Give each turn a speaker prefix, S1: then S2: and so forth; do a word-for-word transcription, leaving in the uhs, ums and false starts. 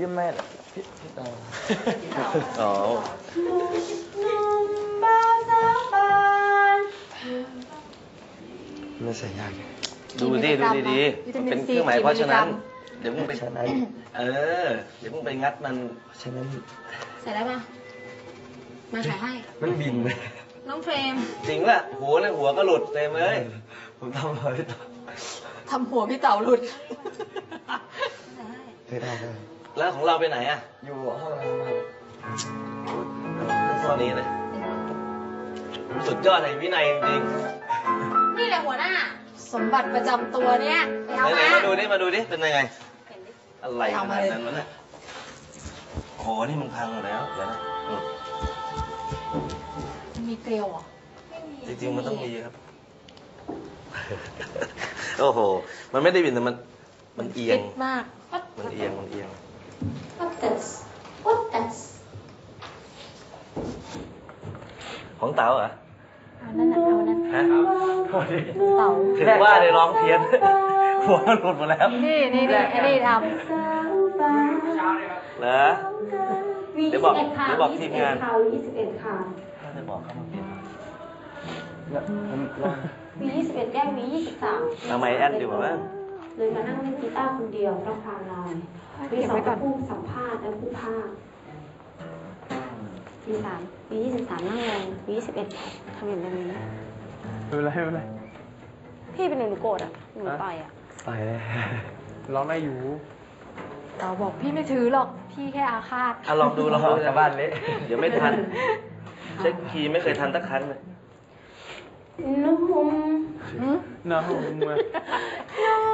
S1: ไม่พี่พี่ต่ออ๋อไม่ใส่ยากดูดิดูดีๆมันเป็นเครื่องหมายเพราะฉะนั้นเดี๋ยวมึงไปเออเดี๋ยวมึงไปงัดมันฉะนั้น
S2: ใส่ได้ปะมาใส่ให้
S1: มันบินไป
S2: น้องเฟรม
S1: จริงป่ะหัวเลยหัวก็หลุดเต็มเลยผมทำอะไร
S2: ทำหัวพี่เต๋าหลุด
S1: ได้ได้ได้แล้วของเราไปไหนอ่ะอยู่ห้องน้ำครับตอนนี้เลยสุดยอดในวินัยจริง
S2: ๆนี่แหละหัวหน้าสมบัติประจำตัวเนี้ยไปเอามา
S1: มาดูดิมาดูดิเป็นยังไงอะไรขนาดนั้นวะเนี่ยโอ้โหนี่มันพังแล้วเดี๋ยวนะ
S2: มันมีเกลียวอ่ะ
S1: จริงๆมันต้องมีครับโอ้โหมันไม่ได้บินแต่มันมันเอียง
S2: มาก
S1: มันเอียงมันเอียง
S2: What this What this
S1: ของเต๋าเหรอ
S2: เอานั่นเอานั่น
S1: ฮะ
S2: เต๋า
S1: ถึงว่าได้ร้องเพี้ยนหัวมันหลุดหมดแล้ว
S2: นี่นี่นี่ไอ้นี่ทำ
S1: เหรอเดี๋ยวบอกเดี๋ยวบอกทีมงาน
S3: ยี่สิบเอ็ดค่ะ
S1: เดี๋ยวบอกเขามาเปลี่ยน
S3: วียี่สิบเอ็ดแกล้งวียี่สิบสาม
S1: ทำไมแอดดีกว่าบ้าง
S3: เลยมานั่งเล่นกีตาร์คนเดียวต้องพาเราวีสองผู้สัมภาษณ์และผู้ภาควีสามวียี่สิบสามนั่งลงวียี่สิบเอ็ดทำอย่างนี้
S4: ไม่เป็นไรไม่เป็นไร
S3: พี่เป็นหนูหนูโกรธอ่ะหนูไปอ่ะ
S4: ไปเลยร้องได้อยู่
S2: เราบอกพี่ไม่ถือหรอกพี่แค่อาฆาต
S1: อ่ะลองดูลองดูจากบ้านเละเดี๋ยวไม่ทันเช็คคีย์ไม่เคยทันสักครั้งเลย
S3: นุ่ม
S4: นุ่ม